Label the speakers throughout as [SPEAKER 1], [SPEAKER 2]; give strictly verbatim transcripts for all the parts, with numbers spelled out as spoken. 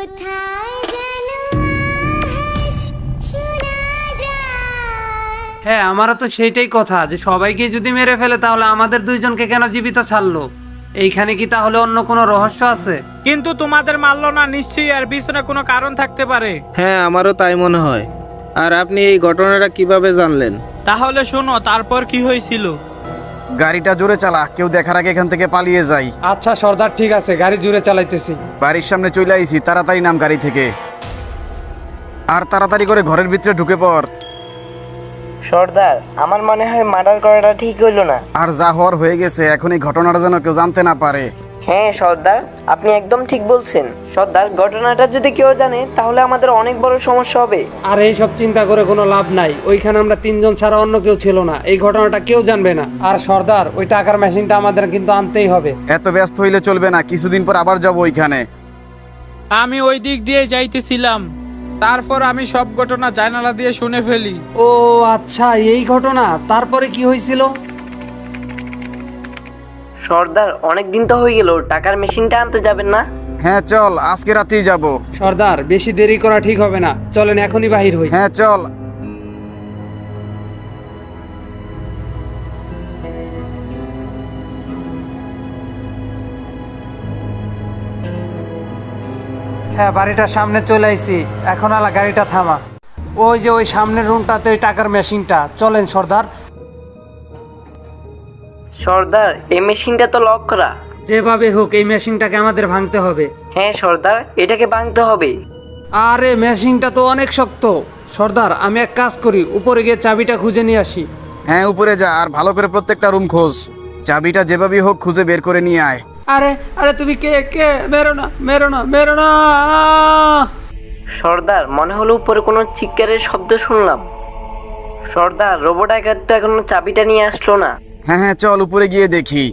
[SPEAKER 1] হ্যাঁ, আমারও তো সেইটাই কথা, যে সবাইকে যদি মেরে ফেলে তাহলে আমাদের দুইজনকে কেন জীবিত ছাড়লো? এইখানে কি তাহলে অন্য কোনো রহস্য আছে?
[SPEAKER 2] কিন্তু তোমাদের মারলো না, নিশ্চয়ই এর পিছনে কোনো কারণ থাকতে পারে।
[SPEAKER 3] হ্যাঁ, আমারও তাই মনে হয়। আর আপনি এই ঘটনাটা কিভাবে জানলেন?
[SPEAKER 2] তাহলে শোনো তারপর কি হয়েছিল।
[SPEAKER 4] গাড়িটা জোরে চালা, কেউ দেখার আগে এখান থেকে পালিয়ে যাই।
[SPEAKER 1] আচ্ছা সর্দার, ঠিক আছে, গাড়ি জুড়ে চালাইতেছি।
[SPEAKER 4] বাড়ির সামনে চলে আইছি, তাড়াতাড়ি নাম গাড়ি থেকে, আর তাড়াতাড়ি করে ঘরের ভিতরে ঢুকে পড়।
[SPEAKER 5] সর্দার, আমার মনে হয় মার্ডার করাটা ঠিক হইলো না।
[SPEAKER 4] আর যা হওয়ার হয়ে গেছে, এখন এই ঘটনাটা যেন কেউ জানতে না পারে।
[SPEAKER 5] হ্যাঁ সর্দার, আপনি একদম ঠিক বলছেন। সর্দার, ঘটনাটা যদি কেউ জানে তাহলে আমাদের অনেক বড় সমস্যা হবে।
[SPEAKER 1] আর এই সব চিন্তা করে কোনো লাভ নাই, ওইখানে আমরা তিনজন ছাড়া অন্য কেউ ছিল না, এই ঘটনাটা কেউ জানবে না। আর সর্দার, ওই টাকার মেশিনটা আমাদের কিন্তু আনতেই হবে।
[SPEAKER 4] এত ব্যস্ত হইলে চলবে না, কিছুদিন পর আবার যাবো ওইখানে।
[SPEAKER 2] আমি ওই দিক দিয়ে যাইতেছিলাম, তারপর আমি সব ঘটনা জানালা দিয়ে শুনে ফেলি।
[SPEAKER 1] ও আচ্ছা, এই ঘটনা। তারপরে কি হয়েছিল?
[SPEAKER 5] সর্দার, অনেক দিন তো হয়ে গেল, টাকার মেশিনটা আনতে যাবেন না?
[SPEAKER 4] হ্যাঁ চল, আজকে রাতেই যাব।
[SPEAKER 1] সর্দার, বেশি দেরি করা ঠিক হবে না, চলেন এখনই বাহির হই।
[SPEAKER 4] হ্যাঁ চল।
[SPEAKER 1] হ্যাঁ, বাড়িটার সামনে চলে আইছি, এখন আলা গাড়িটা থামা। ওই যে ওই সামনের রুমটাতে ওই টাকার মেশিনটা, চলেন সর্দার।
[SPEAKER 5] সর্দার, এই মেশিনটা তো লক করা।
[SPEAKER 1] যেভাবে হোক এই মেশিনটাকে আমাদের ভাঙতে হবে।
[SPEAKER 5] হ্যাঁ সর্দার, এটাকে ভাঙতে হবে।
[SPEAKER 1] আরে মেশিনটা তো অনেক শক্ত। সর্দার, আমি এক কাজ করি, উপরে গিয়ে চাবিটা খুঁজে নিয়ে আসি।
[SPEAKER 4] হ্যাঁ উপরে যা, আর ভালো করে প্রত্যেকটা রুম খোঁজ, চাবিটা যেভাবেই হোক খুঁজে বের করে নিয়ে আয়।
[SPEAKER 1] আরে আরে তুমি কে কে? মেরো না, মেরো না, মেরো না।
[SPEAKER 5] সর্দার, মনে হলো উপরে কোনো চিৎকারের শব্দ শুনলাম। সর্দার, রোবট ডাকাত তো এখনো চাবিটা নিয়ে আসলো না।
[SPEAKER 4] হ্যাঁ হ্যাঁ চল উপরে গিয়ে দেখি।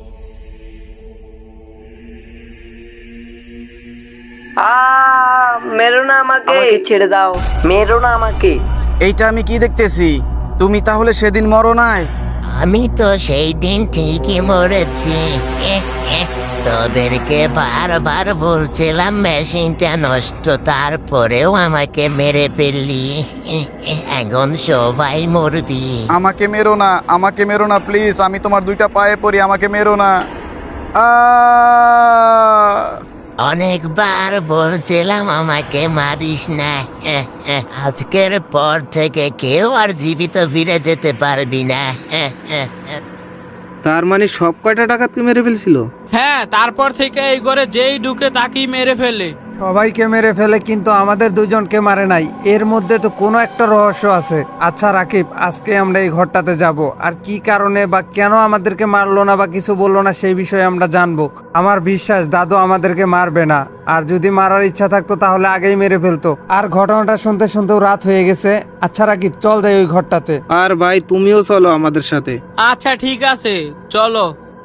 [SPEAKER 5] আ মেরো না আমাকে, ছেড়ে দাও, মেরো না আমাকে।
[SPEAKER 4] এইটা আমি কি দেখতেছি? তুমি তাহলে সেদিন মরো নাই?
[SPEAKER 6] আমি তো সেই দিন ঠিকই মরেছি। এহ, এহ, তোদেরকে বারবার বলছিলাম মেশিনটা নষ্ট, তারপরেও আমাকে মেরে ফেললি। এহ, এহ, এখন সবাই মরবি।
[SPEAKER 4] আমাকে মেরো না, আমাকে মেরো না প্লিজ, আমি তোমার দুইটা পায়ে পড়ি, আমাকে মেরো না। আ
[SPEAKER 6] অনেকবার বলছিলাম আমাকে মারিস না। এহ, এহ, আজকের পর থেকে কেউ আর জীবিত ফিরে যেতে পারবি না। এহ, এহ, এহ।
[SPEAKER 3] তার মানে সব কয়টা ডাকাতকে মেরে ফেলছিল?
[SPEAKER 2] হ্যাঁ, তারপর থেকে এই ঘরে যেই ঢুকে তাকেই মেরে ফেলে।
[SPEAKER 1] সবাইকে মেরে ফেলে, কিন্তু আমাদের দুজনকে মারে নাই। এর মধ্যে তো কোনো একটা রহস্য আছে। আচ্ছা রাকিব, আজকে আমরা এই ঘরটাতে যাব, আর কি কারণে বা কেন আমাদেরকে মারলো না বা কিছু বললো না সেই বিষয়ে আমরা জানবো। আমার বিশ্বাস দাদু আমাদেরকে মারবে না, আর যদি মারার ইচ্ছা থাকতো তাহলে আগেই মেরে ফেলতো। আর ঘটনাটা শুনতে শুনতেও রাত হয়ে গেছে। আচ্ছা রাকিব, চল যাই ওই ঘরটাতে।
[SPEAKER 3] আর ভাই তুমিও চলো আমাদের সাথে।
[SPEAKER 2] আচ্ছা ঠিক আছে, চলো।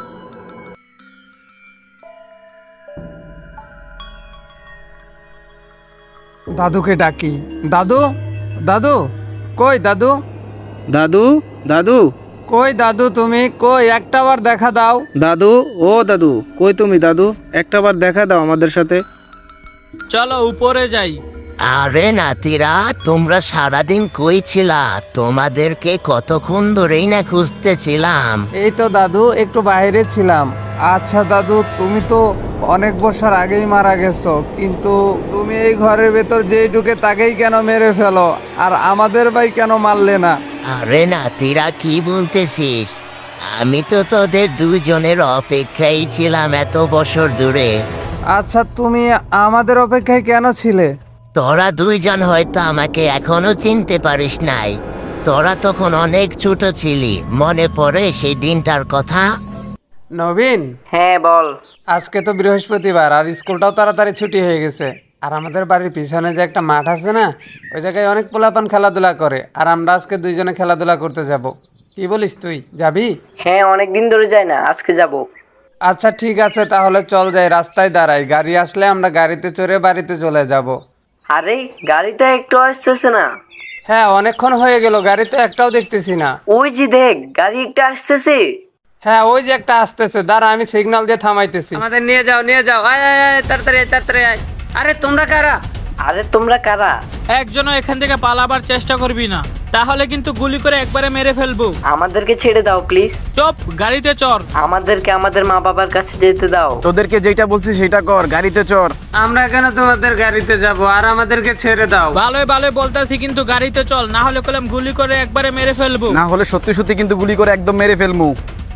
[SPEAKER 1] দাদুকে ডাকি। দাদু, দাদু, কই দাদু?
[SPEAKER 3] দাদু, দাদু,
[SPEAKER 1] কই দাদু তুমি? কই একটা বার দেখা দাও।
[SPEAKER 3] দাদু, ও দাদু, কই তুমি দাদু? একটা বার দেখা দাও আমাদের সাথে।
[SPEAKER 2] চলো উপরে যাই।
[SPEAKER 6] আরে নাতিরা, তোমরা সারাদিন কই ছিলা? তোমাদেরকে কতক্ষণ ধরেই না খুঁজতেছিলাম।
[SPEAKER 1] এই তো দাদু, একটু বাইরে ছিলাম। আচ্ছা দাদু, তুমি তো অনেক বছর আগেই মারা গেছো, কিন্তু তুমি এই ঘরের ভেতর যেই ঢুকে তাকেই কেন মেরে ফেলো, আর আমাদের ভাই কেন মারলে না?
[SPEAKER 6] আরে নাতিরা, কি বলতেছিস? আমি তো তোদের দুজনের অপেক্ষায় ছিলাম এত বছর ধরে।
[SPEAKER 1] আচ্ছা, তুমি আমাদের অপেক্ষায় কেন ছিলে?
[SPEAKER 6] তোরা দুইজন হয়তো আমাকে এখনো চিনতে পারিস নাই। তোরা তখন অনেক ছোট ছিলি, মনে পড়ে সেই দিনটার কথা?
[SPEAKER 1] নবীন,
[SPEAKER 5] হ্যাঁ বল।
[SPEAKER 1] আজকে তো বৃহস্পতিবার, আর স্কুলটাও তাড়াতাড়ি ছুটি হয়ে গেছে। আর আমাদের বাড়ির পিছনে যে একটা মাঠ আছে না, ওই জায়গায় অনেক পোলাপান খেলাধুলা করে, আর আমরা আজকে দুইজনে খেলাধুলা করতে যাব। কি বলিস, তুই যাবি?
[SPEAKER 5] হ্যাঁ, অনেক দিন ধরে যায় না, আজকে যাব।
[SPEAKER 1] আচ্ছা ঠিক আছে, তাহলে চল যাই, রাস্তায় দাঁড়াই, গাড়ি আসলে আমরা গাড়িতে চড়ে বাড়িতে চলে যাব।
[SPEAKER 5] আরে গাড়ি তো একটু আসতেছে না।
[SPEAKER 1] হ্যাঁ, অনেকক্ষণ হয়ে গেল, গাড়ি তো একটাও দেখতেছি না।
[SPEAKER 5] ওই যে দেখ, গাড়ি একটা আসতেছে।
[SPEAKER 1] হ্যাঁ, ওই যে একটা আসতেছে, দাঁড়া আমি সিগন্যাল দিয়ে থামাইতেছি। আমাদের নিয়ে যাও, নিয়ে যাও, আয় আয় আয়, তাড়াতাড়ি আয়, তাড়াতাড়ি আয়। আরে তোমরা কারা?
[SPEAKER 5] আরে তোমরা কারা?
[SPEAKER 2] একজনও এখান থেকে পালাবার চেষ্টা করবি না, তাহলে কিন্তু গুলি করে একবারে মেরে ফেলবো।
[SPEAKER 5] আমাদেরকে ছেড়ে দাও প্লিজ।
[SPEAKER 2] চপ, গাড়িতে চড়।
[SPEAKER 5] আমাদেরকে আমাদের মা বাবার কাছে যেতে দাও।
[SPEAKER 4] তোদেরকে যেটা বলছি সেটা কর, গাড়িতে চড়।
[SPEAKER 1] আমরা কেন তোমাদের গাড়িতে যাব? আর আমাদেরকে ছেড়ে দাও।
[SPEAKER 2] ভালোই ভালোই বলতাছি, কিন্তু গাড়িতে চল, না হলে কলম গুলি করে একবারে মেরে ফেলবো।
[SPEAKER 4] না হলে সত্যি সত্যি কিন্তু গুলি করে একদম মেরে ফেলমু।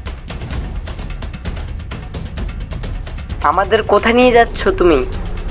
[SPEAKER 5] আমাদের কোথায় নিয়ে যাচ্ছ তুমি?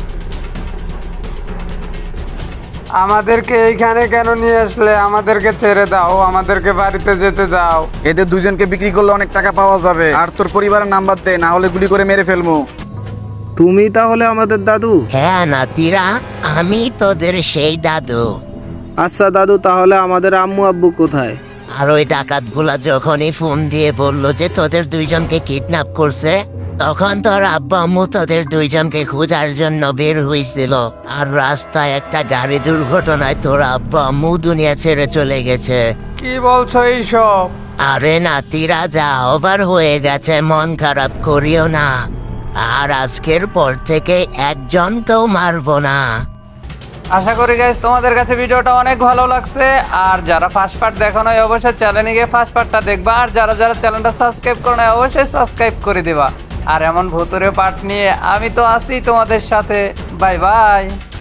[SPEAKER 1] আমাদেরকে এইখানে কেন নিয়ে আসলে? আমাদেরকে ছেড়ে দাও, আমাদেরকে বাড়িতে যেতে দাও।
[SPEAKER 4] এদের দুজনকে বিক্রি করলে অনেক টাকা পাওয়া যাবে। আর তোর পরিবারের নাম্বার দে, না হলে গুলি করে মেরে ফেলমু।
[SPEAKER 3] তুমি তাহলে আমাদের দাদু?
[SPEAKER 6] হ্যাঁ নাতিরা, আমি তোদের সেই দাদু।
[SPEAKER 3] আচ্ছা দাদু, তাহলে আমাদের আম্মু আব্বু কোথায়?
[SPEAKER 6] আর ওই ডাকাতগুলা যখনই ফোন দিয়ে বললো যে তোদের দুইজনকে কিডন্যাপ করছে, তখন তোর আব্বা আম্মু তোদের দুইজনকে খোঁজার জন্য বের হয়েছিল। আর রাস্তায় একটা গাড়ি দুর্ঘটনায় তোর আব্বা আম্মু দুনিয়া ছেড়ে চলে গেছে।
[SPEAKER 1] কি বলছো এইসব?
[SPEAKER 6] আরে নাতিরা, যা ওভার হয়ে গেছে, মন খারাপ করিও না। আর আজকের পর থেকে একজনকেও মারবো না।
[SPEAKER 1] আশা করি গাইস তোমাদের কাছে ভিডিওটা অনেক ভালো লাগছে। আর যারা ফার্স্ট পার্ট দেখো নাই অবশ্যই চ্যানেলে গিয়ে ফার্স্ট পার্টটা দেখবা। আর যারা যারা চ্যানেলটা সাবস্ক্রাইব করো নাই অবশ্যই সাবস্ক্রাইব করে দিবা। আর এমন ভুতুরে পার্ট নিয়ে আমি তো আছি তোমাদের সাথে। Bye by.